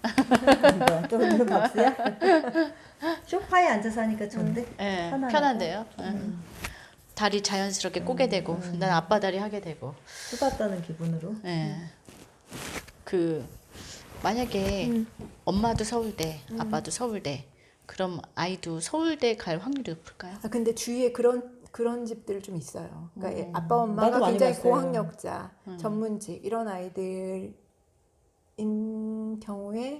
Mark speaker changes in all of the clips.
Speaker 1: 또 오늘 박수야? 소파에 앉아서 하니까 좋은데?
Speaker 2: 네,
Speaker 1: 편안하고.
Speaker 2: 편한데요. 다리 자연스럽게 꼬게 되고, 난 아빠 다리 하게 되고.
Speaker 1: 수다 떠는 기분으로.
Speaker 2: 예. 그 만약에 엄마도 서울대, 아빠도 서울대, 그럼 아이도 서울대 갈 확률이 높을까요?
Speaker 3: 아, 근데 주위에 그런 집들 좀 있어요. 그러니까 아빠
Speaker 1: 나도
Speaker 3: 엄마가
Speaker 1: 많이
Speaker 3: 굉장히
Speaker 1: 봤어요.
Speaker 3: 고학력자, 전문직 이런 아이들인 경우에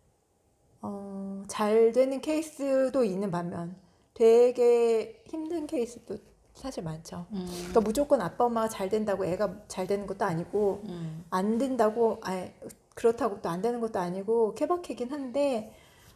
Speaker 3: 잘 되는 케이스도 있는 반면 되게 힘든 케이스도 사실 많죠. 그러니까 무조건 아빠 엄마가 잘 된다고 애가 잘 되는 것도 아니고 안 된다고 그렇다고 또 안 되는 것도 아니고 케바케긴 한데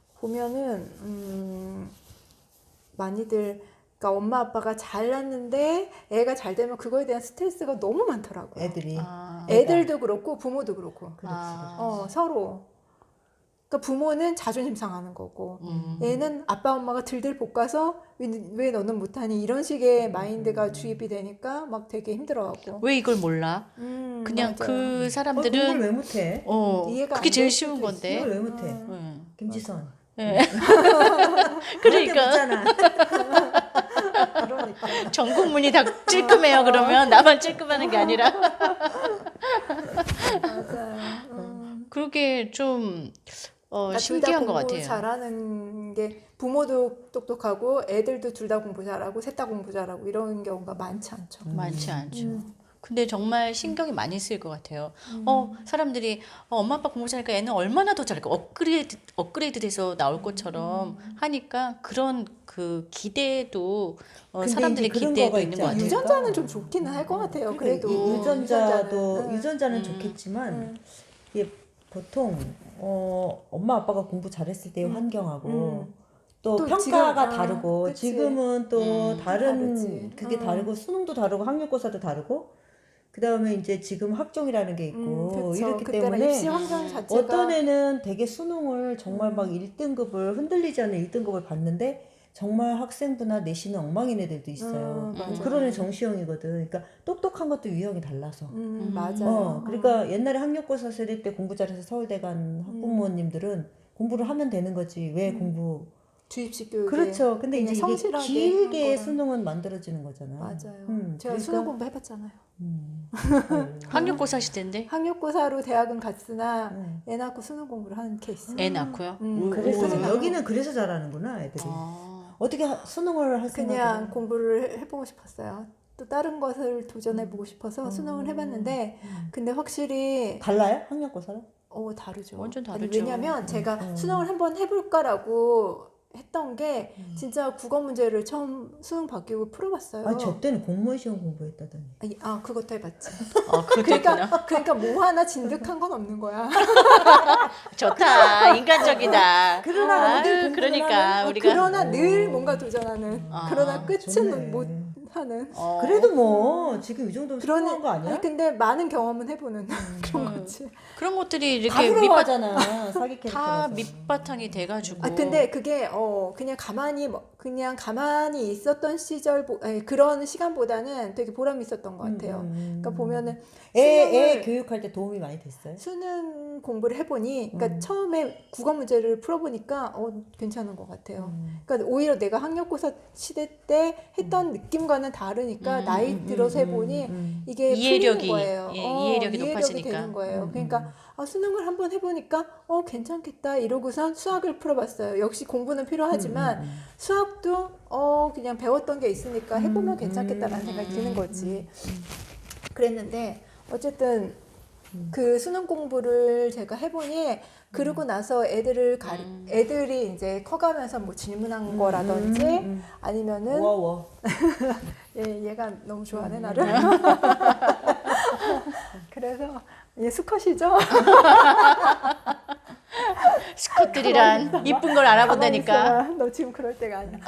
Speaker 3: 보면은 많이들 그러니까 엄마 아빠가 잘났는데 애가 잘 되면 그거에 대한 스트레스가 너무 많더라고요.
Speaker 1: 애들이.
Speaker 3: 애들도 그렇고 부모도 그렇고
Speaker 1: 그렇지.
Speaker 3: 서로. 그러니까 부모는 자존심 상하는 거고 애는 아빠 엄마가 들들 볶아서 왜 너는 못하니 이런 식의 마인드가 주입이 되니까 막 되게 힘들어하고.
Speaker 2: 왜 이걸 몰라? 그냥
Speaker 3: 맞아요.
Speaker 2: 그
Speaker 1: 공부를
Speaker 2: 사람들은
Speaker 1: 왜 못해?
Speaker 3: 이해가
Speaker 2: 그게
Speaker 3: 안
Speaker 2: 제일
Speaker 3: 될
Speaker 2: 쉬운
Speaker 3: 수도
Speaker 2: 건데.
Speaker 1: 이걸 왜 못해? 김지선.
Speaker 2: 그러니까
Speaker 1: 묻잖아.
Speaker 3: 그러니까.
Speaker 2: 전 국민이 다 찔끔해요. 그러면 나만 찔끔하는 게 아니라.
Speaker 3: 맞아요.
Speaker 2: 그게 좀
Speaker 3: 그러니까
Speaker 2: 신기한
Speaker 3: 둘
Speaker 2: 것
Speaker 3: 다 공부
Speaker 2: 같아요.
Speaker 3: 잘하는 게 부모도 똑똑하고 애들도 둘 다 공부 잘하고 셋 다 공부 잘하고 이런 경우가 많지 않죠.
Speaker 2: 많지 않죠. 근데 정말 신경이 많이 쓰일 것 같아요. 사람들이 엄마 아빠 공부 잘하니까 애는 얼마나 더 잘할까? 업그레이드 돼서 나올 것처럼 하니까 그런 그 기대도
Speaker 1: 근데
Speaker 2: 사람들의
Speaker 1: 이제 그런
Speaker 2: 기대도
Speaker 1: 거가
Speaker 2: 있는
Speaker 1: 있지
Speaker 2: 것 같아요.
Speaker 1: 않을까?
Speaker 3: 유전자는 좀 좋기는 할 것 같아요.
Speaker 1: 그러니까
Speaker 3: 그래도
Speaker 1: 유전자는 좋겠지만 이게 보통 엄마 아빠가 공부 잘했을 때의 환경하고 또
Speaker 3: 또
Speaker 1: 평가가
Speaker 3: 지금,
Speaker 1: 다르고
Speaker 3: 그치.
Speaker 1: 지금은 또 다른
Speaker 3: 다르지.
Speaker 1: 그게 다르고 수능도 다르고 학력고사도 다르고 그다음에 이제 지금 학종이라는 게 있고
Speaker 3: 그쵸.
Speaker 1: 이렇기
Speaker 3: 그때는
Speaker 1: 때문에
Speaker 3: 입시 환경 자체가
Speaker 1: 어떤 애는 되게 수능을 정말 막 1등급을 흔들리지 않는 1등급을 봤는데 정말 학생부나 내신은 엉망인 애들도 있어요.
Speaker 3: 맞아요.
Speaker 1: 그런 애 정시형이거든. 그러니까 똑똑한 것도 유형이 달라서.
Speaker 3: 맞아요.
Speaker 1: 그러니까 옛날에 학력고사 세대 때 공부 잘해서 서울대 간 학부모님들은 공부를 하면 되는 거지. 왜 공부?
Speaker 3: 주입식 교육에
Speaker 1: 그렇죠. 근데 이제
Speaker 3: 굉장히
Speaker 1: 이게
Speaker 3: 성실하게
Speaker 1: 길게
Speaker 3: 한 거랑.
Speaker 1: 수능은 만들어지는 거잖아.
Speaker 3: 맞아요. 제가
Speaker 1: 그러니까,
Speaker 3: 수능 공부 해봤잖아요.
Speaker 2: 학력고사 시대인데
Speaker 3: 학력고사로 대학은 갔으나 애 낳고 수능 공부를 하는 케이스.
Speaker 2: 애 낳고요.
Speaker 1: 그래서 여기는 그래서 잘하는구나 애들이. 어떻게 수능을 할
Speaker 3: 그냥
Speaker 1: 생각을?
Speaker 3: 공부를 해보고 싶었어요. 또 다른 것을 도전해보고 싶어서 수능을 해봤는데 근데 확실히
Speaker 1: 달라요? 학력고사랑?
Speaker 3: 다르죠.
Speaker 2: 완전
Speaker 3: 아니,
Speaker 2: 다르죠.
Speaker 3: 왜냐면 제가 수능을 한번 해볼까라고 했던 게 진짜 국어 문제를 처음 수능 바뀌고 풀어봤어요.
Speaker 1: 아, 저 때는 공무원 시험 공부했다더니.
Speaker 3: 그것도 해봤지.
Speaker 2: 그렇구나.
Speaker 3: 그러니까 뭐 하나 진득한 건 없는 거야.
Speaker 2: 좋다. 인간적이다.
Speaker 1: 그러나 늘
Speaker 2: 아유,
Speaker 1: 공부를
Speaker 2: 그러니까
Speaker 1: 하는?
Speaker 2: 우리가
Speaker 3: 그러나 늘 뭔가 도전하는. 그러나 끝은
Speaker 1: 좋네.
Speaker 3: 못 하는.
Speaker 1: 그래도 뭐 지금 이 정도면 성공한 거 아니야?
Speaker 3: 아니, 근데 많은 경험은 해보는 그런 거지.
Speaker 2: 그런 것들이
Speaker 1: 다
Speaker 2: 이렇게
Speaker 1: 부러워하잖아. 사기
Speaker 2: 다
Speaker 1: 캐릭터라서.
Speaker 2: 밑바탕이 돼가지고.
Speaker 3: 근데 그게 그냥 가만히 있었던 시절 그런 시간보다는 되게 보람이 있었던 것 같아요. 그러니까 보면은
Speaker 1: 애 교육할 때 도움이 많이 됐어요?
Speaker 3: 수능 공부를 해보니, 그러니까 처음에 국어 문제를 풀어보니까 괜찮은 것 같아요. 그러니까 오히려 내가 학력고사 시대 때 했던 느낌과는 다르니까 나이 들어서 해보니 이게
Speaker 2: 이해력이,
Speaker 3: 풀리는 거예요.
Speaker 2: 이해력이 높아지니까.
Speaker 3: 되는 거예요. 그러니까 수능을 한번 해보니까 괜찮겠다 이러고선 수학을 풀어봤어요. 역시 공부는 필요하지만 수학도 그냥 배웠던 게 있으니까 해보면 괜찮겠다라는 생각이 드는 거지. 그랬는데 어쨌든 그 수능 공부를 제가 해보니 그러고 나서 애들이 이제 커가면서 뭐 질문한 거라든지 아니면은
Speaker 1: 워워.
Speaker 3: 얘가 너무 좋아하네 나를. 그래서 얘 수컷이죠.
Speaker 2: 스컷들이란 이쁜 걸 알아본다니까.
Speaker 3: 가만히 있어봐. 너 지금 그럴 때가 아니야.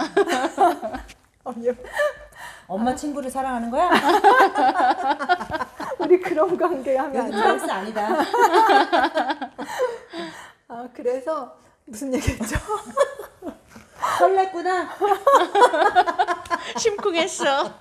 Speaker 1: 엄마 친구를 사랑하는 거야?
Speaker 3: 우리 그런 관계 하면 안 돼.
Speaker 1: 댄스 아니다.
Speaker 3: 그래서 무슨 얘기했죠?
Speaker 1: 설렜구나.
Speaker 2: 심쿵했어.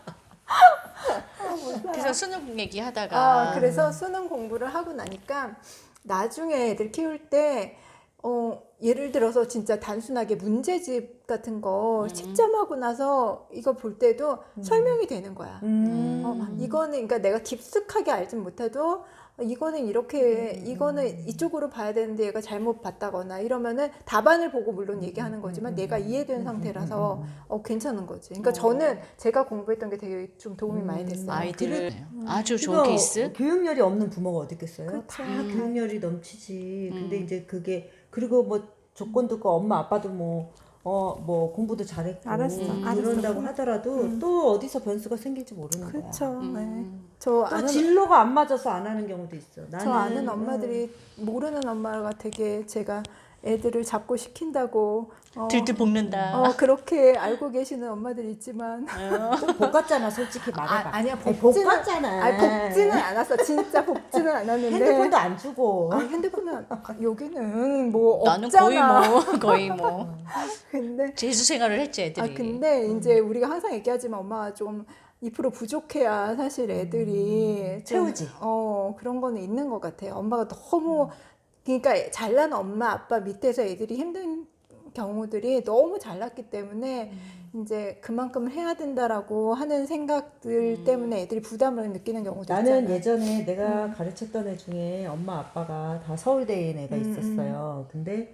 Speaker 2: 그래서 수능 얘기하다가
Speaker 3: 그래서 수능 공부를 하고 나니까 나중에 애들 키울 때 예를 들어서 진짜 단순하게 문제집 같은 거 채점하고 나서 이거 볼 때도 설명이 되는 거야. 이거는 그러니까 내가 깊숙하게 알진 못해도 이거는 이렇게 이거는 이쪽으로 봐야 되는데 얘가 잘못 봤다거나 이러면은 답안을 보고 물론 얘기하는 거지만 내가 이해된 상태라서 괜찮은 거지. 그러니까 저는 제가 공부했던 게 되게 좀 도움이 많이 됐어요.
Speaker 2: 아이들을 아주 좋은
Speaker 1: 그거
Speaker 2: 케이스.
Speaker 1: 교육열이 없는 부모가 어디 있겠어요?
Speaker 3: 그쵸.
Speaker 1: 다 교육열이 넘치지. 근데 이제 그게 그리고 뭐 조건도 없고 엄마 아빠도 뭐 공부도 잘했고
Speaker 3: 알았어.
Speaker 1: 이런다고 하더라도 또 어디서 변수가 생길지 모르는 거야.
Speaker 3: 그렇죠. 저
Speaker 1: 또
Speaker 3: 아는
Speaker 1: 진로가 안 맞아서 안 하는 경우도 있어.
Speaker 3: 저 아는 엄마들이 모르는 엄마가 되게 제가 애들을 잡고 시킨다고
Speaker 2: 들들 볶는다.
Speaker 3: 그렇게 알고 계시는 엄마들이 있지만
Speaker 1: 좀 볶았잖아, 솔직히 말해봐.
Speaker 3: 아니야
Speaker 1: 아니,
Speaker 3: 볶지는
Speaker 1: 볶았잖아.
Speaker 3: 볶지는 않았어. 진짜 볶지는 않았는데
Speaker 1: 핸드폰도 안 주고.
Speaker 3: 핸드폰은 여기는 뭐
Speaker 2: 나는
Speaker 3: 없잖아.
Speaker 2: 거의 뭐
Speaker 3: 근데
Speaker 2: 재수 생활을 했지 애들이.
Speaker 3: 근데 이제 우리가 항상 얘기하지만 엄마가 좀 2% 부족해야 사실 애들이 좀,
Speaker 1: 채우지.
Speaker 3: 그런 거는 있는 것 같아요. 엄마가 너무 그러니까 잘난 엄마 아빠 밑에서 애들이 힘든 경우들이 너무 잘났기 때문에 이제 그만큼 해야 된다라고 하는 생각들 때문에 애들이 부담을 느끼는 경우도
Speaker 1: 나는
Speaker 3: 있잖아.
Speaker 1: 예전에 내가 가르쳤던 애 중에 엄마 아빠가 다 서울대인 애가 있었어요. 근데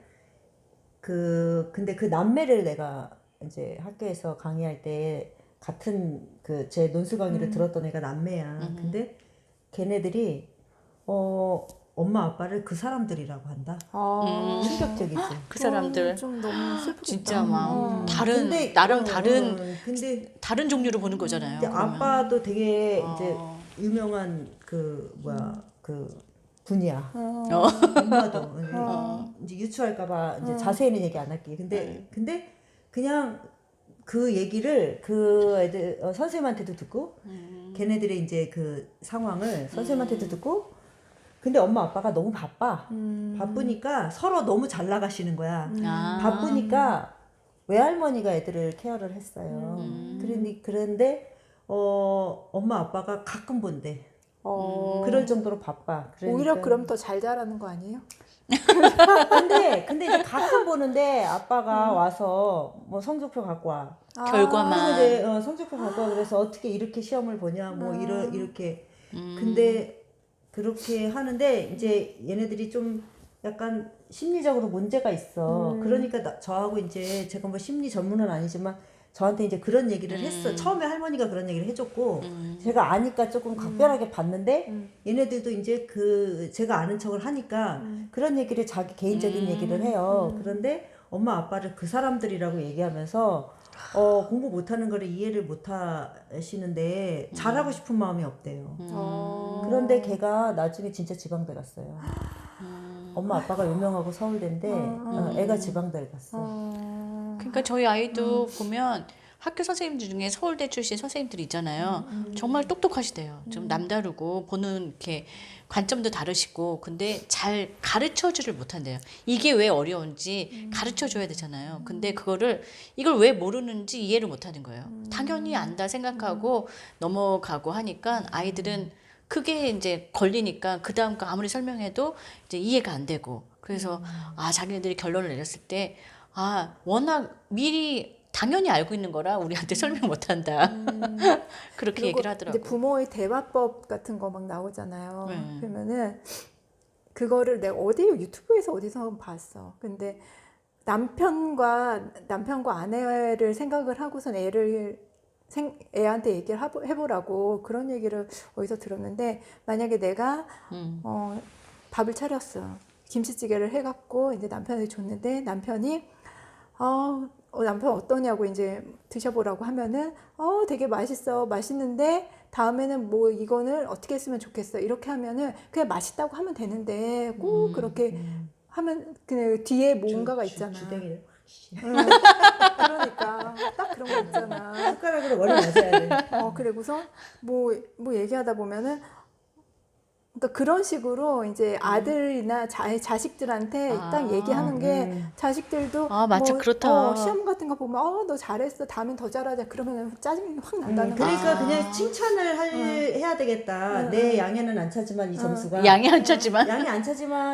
Speaker 1: 그 남매를 내가 이제 학교에서 강의할 때 같은 그 제 논술 강의를 들었던 애가 남매야. 근데 걔네들이 엄마 아빠를 그 사람들이라고 한다. 충격적이지.
Speaker 2: 그 사람들
Speaker 3: 좀 너무 슬프겠다.
Speaker 2: 진짜 막 다른
Speaker 1: 근데,
Speaker 2: 나랑 다른
Speaker 1: 근데
Speaker 2: 다른 종류로 보는 거잖아요.
Speaker 1: 이제
Speaker 2: 그러면.
Speaker 1: 아빠도 되게 이제 유명한 그 분이야. 엄마도 이제 유추할까봐 이제 자세히는 얘기 안 할게. 근데 그냥 그 얘기를 그 애들 선생님한테도 듣고 걔네들의 이제 그 상황을 선생님한테도 듣고 근데 엄마 아빠가 너무 바쁘니까 서로 너무 잘 나가시는 거야. 바쁘니까 외할머니가 애들을 케어를 했어요. 그런데 엄마 아빠가 가끔 본대. 그럴 정도로 바빠. 그러니까.
Speaker 3: 오히려 그럼 더 잘 자라는 거 아니에요?
Speaker 1: 근데 이제 가끔 보는데 아빠가 와서 뭐 성적표 갖고 와.
Speaker 2: 결과만.
Speaker 1: 그래서 이제 성적표 갖고 와. 그래서 어떻게 이렇게 시험을 보냐 뭐 이렇게. 근데 그렇게 하는데 이제 얘네들이 좀 약간 심리적으로 문제가 있어. 그러니까 저하고 이제 제가 뭐 심리 전문은 아니지만 저한테 이제 그런 얘기를 했어. 처음에 할머니가 그런 얘기를 해줬고 제가 아니까 조금 각별하게 봤는데 얘네들도 이제 제가 아는 척을 하니까 그런 얘기를 자기 개인적인 얘기를 해요. 그런데 엄마 아빠를 그 사람들이라고 얘기하면서 공부 못하는 거를 이해를 못 하시는데 잘하고 싶은 마음이 없대요. 그런데 걔가 나중에 진짜 지방대 갔어요. 엄마 아빠가 유명하고 서울대인데 애가 지방대를 갔어.
Speaker 2: 그러니까 저희 아이도 보면 학교 선생님들 중에 서울대 출신 선생님들이 있잖아요. 정말 똑똑하시대요. 좀 남다르고 보는 이렇게 관점도 다르시고 근데 잘 가르쳐주를 못한대요. 이게 왜 어려운지 가르쳐줘야 되잖아요. 근데 이걸 왜 모르는지 이해를 못하는 거예요. 당연히 안다 생각하고 넘어가고 하니까 아이들은 그게 이제 걸리니까 그 다음 거 아무리 설명해도 이제 이해가 안 되고 그래서 자기네들이 결론을 내렸을 때 워낙 미리 당연히 알고 있는 거라 우리한테 설명 못 한다. 그렇게 얘기를 하더라고요.
Speaker 3: 이제 부모의 대화법 같은 거 막 나오잖아요.
Speaker 2: 네.
Speaker 3: 그러면은 그거를 내가 유튜브에서 어디서 봤어. 근데 남편과 아내를 생각을 하고선 애한테 얘기를 해보라고 그런 얘기를 어디서 들었는데 만약에 내가 밥을 차렸어. 김치찌개를 해갖고 이제 남편한테 줬는데 남편이 남편 어떠냐고 이제 드셔보라고 하면은 되게 맛있는데 다음에는 뭐 이거는 어떻게 했으면 좋겠어 이렇게 하면은 그냥 맛있다고 하면 되는데 꼭 그렇게 하면 그 뒤에 뭔가가 있잖아.
Speaker 1: 주댕이를
Speaker 3: 그러니까 딱 그런 거 있잖아.
Speaker 1: 숟가락으로 머리 맞아야 돼.
Speaker 3: 그리고서 뭐 얘기하다 보면은 그러니까 그런 식으로 이제 아들이나 자식들한테 딱 얘기하는 게 자식들도
Speaker 2: 맞아, 그렇다.
Speaker 3: 시험 같은 거 보면 너 잘했어 다음엔 더 잘하자 그러면 짜증이 확 난다는 거야.
Speaker 1: 그러니까 그냥 칭찬을 해야 되겠다. 내 양에는 안 차지만 이 점수가
Speaker 2: 양이 안 차지만
Speaker 1: 양이 안 차지만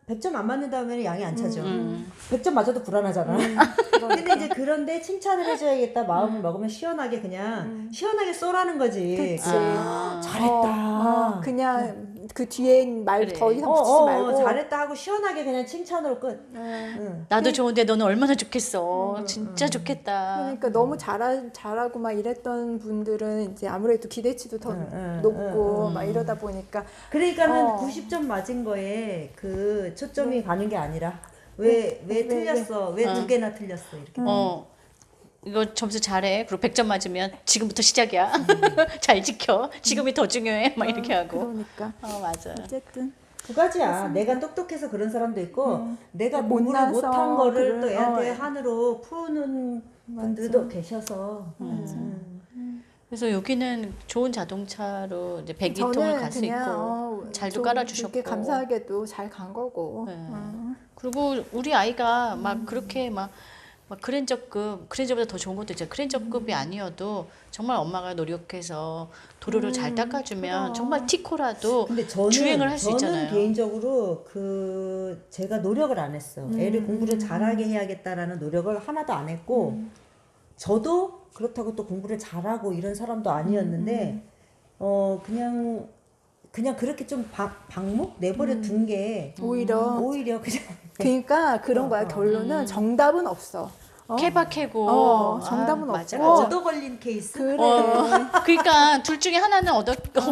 Speaker 1: 100점 안 맞는 다음에는 양이 안 차죠. 100점 맞아도 불안하잖아. 근데 이제 그런데 칭찬을 해줘야겠다 마음을 먹으면 시원하게 그냥 시원하게 쏘라는 거지.
Speaker 3: 그치.
Speaker 1: 잘했다.
Speaker 3: 그냥 그 뒤에 말
Speaker 2: 그래.
Speaker 3: 더 이상 붙이지 말고.
Speaker 1: 잘했다 하고 시원하게 그냥 칭찬으로 끝.
Speaker 2: 나도 좋은데 너는 얼마나 좋겠어. 진짜 좋겠다.
Speaker 3: 그러니까 너무 잘하고 막 이랬던 분들은 이제 아무래도 기대치도 더 높고 막 이러다 보니까
Speaker 1: 그러니까는 90점 맞은 거에 그 초점이 가는 게 아니라 왜 틀렸어? 왜 두 개나 틀렸어? 이렇게.
Speaker 2: 이거 점수 잘해. 그리고 100점 맞으면 지금부터 시작이야. 잘 지켜. 지금이 더 중요해. 막 이렇게 하고.
Speaker 3: 그러니까
Speaker 2: 맞아.
Speaker 3: 어쨌든
Speaker 1: 두 가지야. 내가 똑똑해서 그런 사람도 있고 내가 공부를
Speaker 3: 못나서
Speaker 1: 못한 거를 또
Speaker 3: 그런-
Speaker 1: 애한테 한으로 푸는 분들도 계셔서.
Speaker 2: 그래서 여기는 좋은 자동차로 이제 102통을
Speaker 3: 저는
Speaker 2: 갈 수
Speaker 3: 그냥
Speaker 2: 있고 잘도
Speaker 3: 좀
Speaker 2: 깔아주셨고.
Speaker 3: 그렇게 감사하게도 잘 간 거고.
Speaker 2: 네. 그리고 우리 아이가 막 그렇게 막 그랜저보다 더 좋은 것도 있죠. 그랜저급이 아니어도 정말 엄마가 노력해서 도로를 잘 닦아주면 정말 티코라도
Speaker 1: 근데 저는
Speaker 2: 주행을 할 수 있잖아요.
Speaker 1: 저는 개인적으로 제가 노력을 안 했어. 애를 공부를 잘하게 해야겠다라는 노력을 하나도 안 했고 저도 그렇다고 또 공부를 잘하고 이런 사람도 아니었는데 그냥 그렇게 좀 방목 내버려 둔 게
Speaker 3: 오히려
Speaker 1: 그냥
Speaker 3: 그러니까 그런 거야. 결론은 정답은 없어.
Speaker 2: 케바케고
Speaker 3: 정답은
Speaker 2: 맞아,
Speaker 3: 없고.
Speaker 2: 맞아.
Speaker 1: 얻어 걸린 케이스.
Speaker 3: 그래.
Speaker 2: 그러니까 둘 중에 하나는 얻어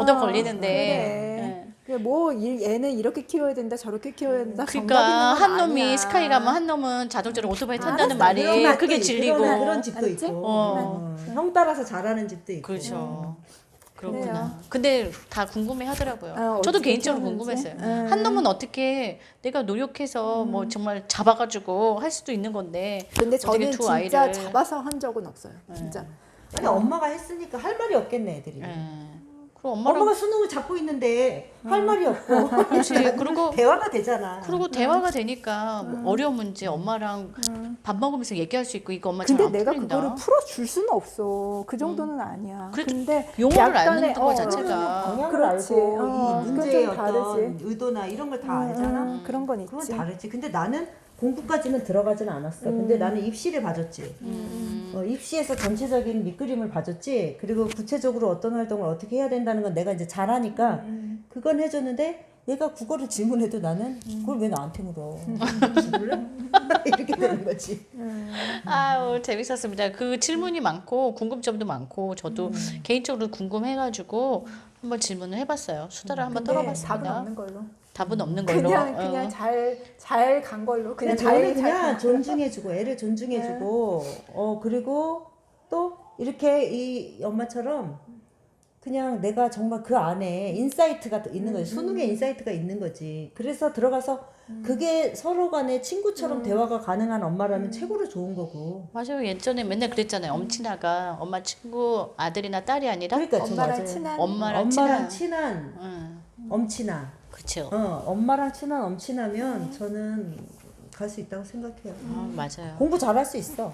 Speaker 2: 걸리는데.
Speaker 3: 그래. 얘는 이렇게 키워야 된다, 저렇게 키워야 된다.
Speaker 2: 그러니까
Speaker 3: 정답 있는 건
Speaker 2: 한 놈이
Speaker 3: 아니야.
Speaker 2: 스카이 가면 한 놈은 자동차로 오토바이 탄다는
Speaker 3: 알았어.
Speaker 2: 말이
Speaker 1: 그런 맛도
Speaker 2: 그게
Speaker 1: 있고,
Speaker 2: 진리고.
Speaker 1: 그런 집도
Speaker 3: 알았지?
Speaker 1: 있고
Speaker 2: 어.
Speaker 1: 형 따라서 잘하는 집도 있고.
Speaker 2: 그렇죠. 그렇구나.
Speaker 3: 그래요.
Speaker 2: 근데 다 궁금해 하더라고요. 저도
Speaker 3: 어떻게
Speaker 2: 개인적으로
Speaker 3: 키웠는지.
Speaker 2: 궁금했어요. 한 놈은 어떻게 내가 노력해서 뭐 정말 잡아가지고 할 수도 있는 건데.
Speaker 3: 근데
Speaker 2: 어떻게
Speaker 3: 저는
Speaker 2: 두
Speaker 3: 진짜
Speaker 2: 아이를.
Speaker 3: 잡아서 한 적은 없어요. 진짜.
Speaker 1: 아니 엄마가 했으니까 할 말이 없겠네 애들이.
Speaker 2: 그리고 엄마랑
Speaker 1: 엄마가 수능을 잡고 있는데 할 말이 없고.
Speaker 2: 그렇지. 그리고
Speaker 1: 대화가 되잖아.
Speaker 2: 그리고 대화가 되니까 뭐 어려운 문제 엄마랑 밥 먹으면서 얘기할 수 있고 이거 엄마
Speaker 3: 근데
Speaker 2: 잘 안
Speaker 3: 내가
Speaker 2: 풀린다.
Speaker 3: 그거를 풀어줄 수는 없어. 그 정도는 아니야.
Speaker 2: 그래도
Speaker 3: 근데
Speaker 2: 용어를
Speaker 3: 약간의-
Speaker 2: 아는 거 자체가
Speaker 1: 방향을
Speaker 3: 그렇지.
Speaker 1: 알고 이
Speaker 3: 그건
Speaker 1: 문제의
Speaker 3: 좀
Speaker 1: 어떤
Speaker 3: 다르지.
Speaker 1: 의도나 이런 걸 다 알잖아.
Speaker 3: 그런 건
Speaker 1: 그건
Speaker 3: 있지.
Speaker 1: 다르지. 근데 나는 공부까지는 들어가지는 않았어. 근데 나는 입시를 봐줬지. 입시에서 전체적인 밑그림을 봐줬지. 그리고 구체적으로 어떤 활동을 어떻게 해야 된다는 건 내가 이제 잘하니까 그건 해줬는데 얘가 국어를 질문해도 나는 그걸 왜 나한테 물어? 몰라? 이렇게 되는 거지.
Speaker 2: 아우 재밌었습니다. 그 질문이 많고 궁금점도 많고 저도 개인적으로 궁금해가지고 한번 질문을 해봤어요. 수다를 한번
Speaker 3: 근데
Speaker 2: 떨어봤습니다.
Speaker 3: 답은 없는 걸로.
Speaker 2: 답은 없는 걸로.
Speaker 3: 그냥 잘 간 걸로.
Speaker 1: 그냥
Speaker 3: 그냥
Speaker 1: 저를
Speaker 3: 잘
Speaker 1: 그냥 존중해주고 애를 존중해주고 그리고 또 이렇게 이 엄마처럼 그냥 내가 정말 그 안에 인사이트가 있는 거지. 수능에 인사이트가 있는 거지. 그래서 들어가서 그게 서로 간에 친구처럼 대화가 가능한 엄마라면 최고로 좋은 거고.
Speaker 2: 맞아요. 예전에 맨날 그랬잖아요. 엄친아가 엄마 친구 아들이나 딸이 아니라
Speaker 1: 그러니까
Speaker 3: 엄마랑
Speaker 1: 맞아요.
Speaker 3: 친한
Speaker 2: 엄마랑
Speaker 1: 친한 엄친아.
Speaker 2: 그렇죠.
Speaker 1: 엄마랑 친한 엄친하면 저는 갈 수 있다고 생각해요.
Speaker 2: 맞아요.
Speaker 1: 공부 잘할 수 있어.